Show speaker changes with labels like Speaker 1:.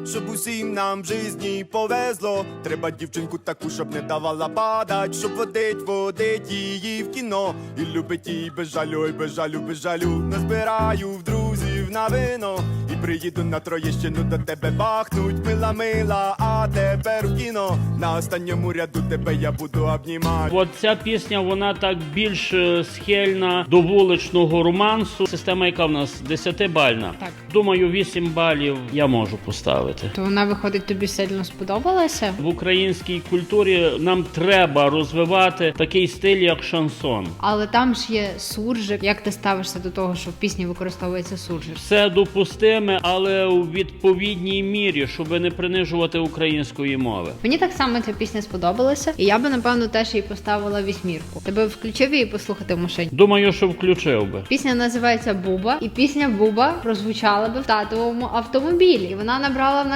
Speaker 1: щоб усім нам в житті повезло. Треба дівчинку таку, щоб не давала падать, щоб водить її в кіно. І любить її без жалю, ой, без жалю, без жалю. Назбираю в друзів на вино і приїду на Троєщину до тебе бахнуть. Мила, мила, а тепер в кіно. На останньому ряду тебе я буду обнімати.
Speaker 2: От ця пісня, вона так більш схильна до вуличного романсу. Система яка в нас? 10-бальна.
Speaker 3: Так.
Speaker 2: Думаю, 8 балів я можу поставити.
Speaker 3: То вона, виходить, тобі сильно сподобалася?
Speaker 2: В українській культурі нам треба розвивати такий стиль, як шансон.
Speaker 3: Але там ж є суржик. Як ти ставишся до того, що в пісні використовується суржик?
Speaker 2: Все допустиме, але у відповідній мірі, щоб не принижувати української мови.
Speaker 3: Мені так само ця пісня сподобалася, і я би, напевно, теж їй поставила 8. Ти би включив її послухати в машині?
Speaker 2: Думаю, що включив би.
Speaker 3: Пісня називається «Буба», і пісня «Буба» прозвучала би в татовому автомобілі. І вона набрала в